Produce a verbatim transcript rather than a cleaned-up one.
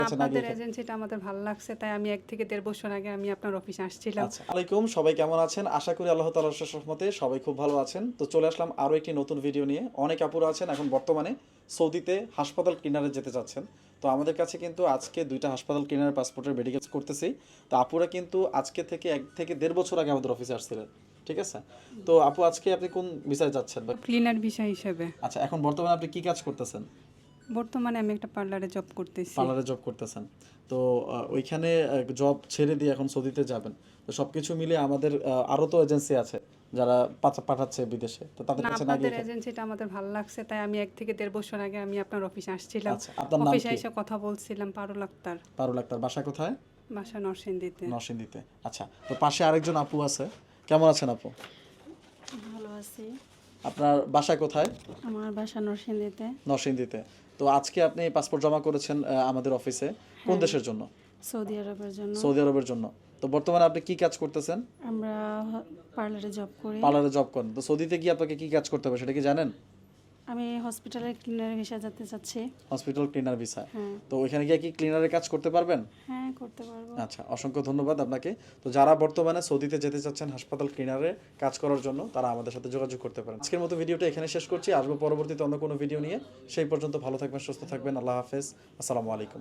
আপনাদের এজেন্সিটা আমাদের ভালো লাগছে, তাই আমি এক থেকে দেড় বছর আগে আমি আপনার অফিসে আসছিলাম। আচ্ছা, আলাইকুম, সবাই কেমন আছেন? আশা করি আল্লাহ তাআলার অশেষ রহমতে সবাই খুব ভালো আছেন। তো চলে আসলাম আরও একটি নতুন ভিডিও নিয়ে। অনেক আপুরা আছেন এখন বর্তমানে সৌদিতে হাসপাতাল ক্লিনারে যেতে চাচ্ছেন। তো আমাদের কাছে কিন্তু আজকে দুইটা হাসপাতাল ক্লিনার পাসপোর্টের মেডিকেলস করতেছি। তো আপুরা কিন্তু আজকে থেকে এক থেকে দেড় বছর আগে আমাদের অফিসে আসছিলেন, ঠিক আছে? তো আপু, আজকে আপনি কোন ভিসায় যাচ্ছেন? বা ক্লিনার বিষয় হিসেবে আচ্ছা, এখন বর্তমানে আপনি কি কাজ করতেছেন? বর্তমানে আমি একটা পার্লারে জব করতেছি। পার্লারে জব করতেছেন। তো আহ, ওইখানে জব ছেড়ে দিয়ে এখন সৌদিতে যাবেন। তো সবকিছু মিলে আমাদের আহ, আরো তো এজেন্সি আছে যারা পাঠা- পাঠাচ্ছে বিদেশে, তো তাদের না, কাছে না আপনাদের গিয়ে। এজেন্সিটা আমাদের ভালো লাগছে, তাই আমি এক থেকে দেড় বছর আগে আমি আপনার অফিসে আসছিলাম। আচ্ছা, আপনার নাম অফিসে কি? এসে কথা বলছিলাম। পারুল আক্তার। পারুল আক্তার, বাসা কোথায়? বাসা নরসিংদীতে। নরসিংদীতে। আচ্ছা, তো পাশে আরেকজন আপু আছে। কেমন আছেন আপু? ভালো আছি। আপনার বাসা কোথায়? আমার বাসা নরসিংদীতে। নরসিংদীতে। তো আজকে আপনি পাসপোর্ট জমা করেছেন আহ, আমাদের অফিসে কোন হ্যাঁ। দেশের জন্য? সৌদি আরবের জন্য। সৌদি আরবের জন্য। তো বর্তমানে আপনি কি কাজ করতেছেন? আমরা পার্লারে জব করি। পার্লারে জব করেন। তো সৌদিতে গিয়ে আপনাকে কি কাজ করতে হবে সেটা কি জানেন? আমি হসপিটালের ক্লিনার ভিসা যেতে চাচ্ছি। Hospital cleaner visa. হ্যাঁ। তো ওইখানে গিয়ে কি ক্লিনারের কাজ করতে পারবেন? হ্যাঁ, করতে পারবো। আচ্ছা, অসংখ্য ধন্যবাদ আপনাকে। তো যারা বর্তমানে সৌদিতে যেতে চাচ্ছেন হাসপাতাল ক্লিনারে কাজ করার জন্য, তারা আমাদের সাথে যোগাযোগ করতে পারেন। আজকের মতো ভিডিওটা এখানে শেষ করছি। আসবো পরবর্তীতে অন্য কোনো ভিডিও নিয়ে। সেই পর্যন্ত ভালো থাকবেন, সুস্থ থাকবেন। আল্লাহ হাফেজ। আসসালামু আলাইকুম।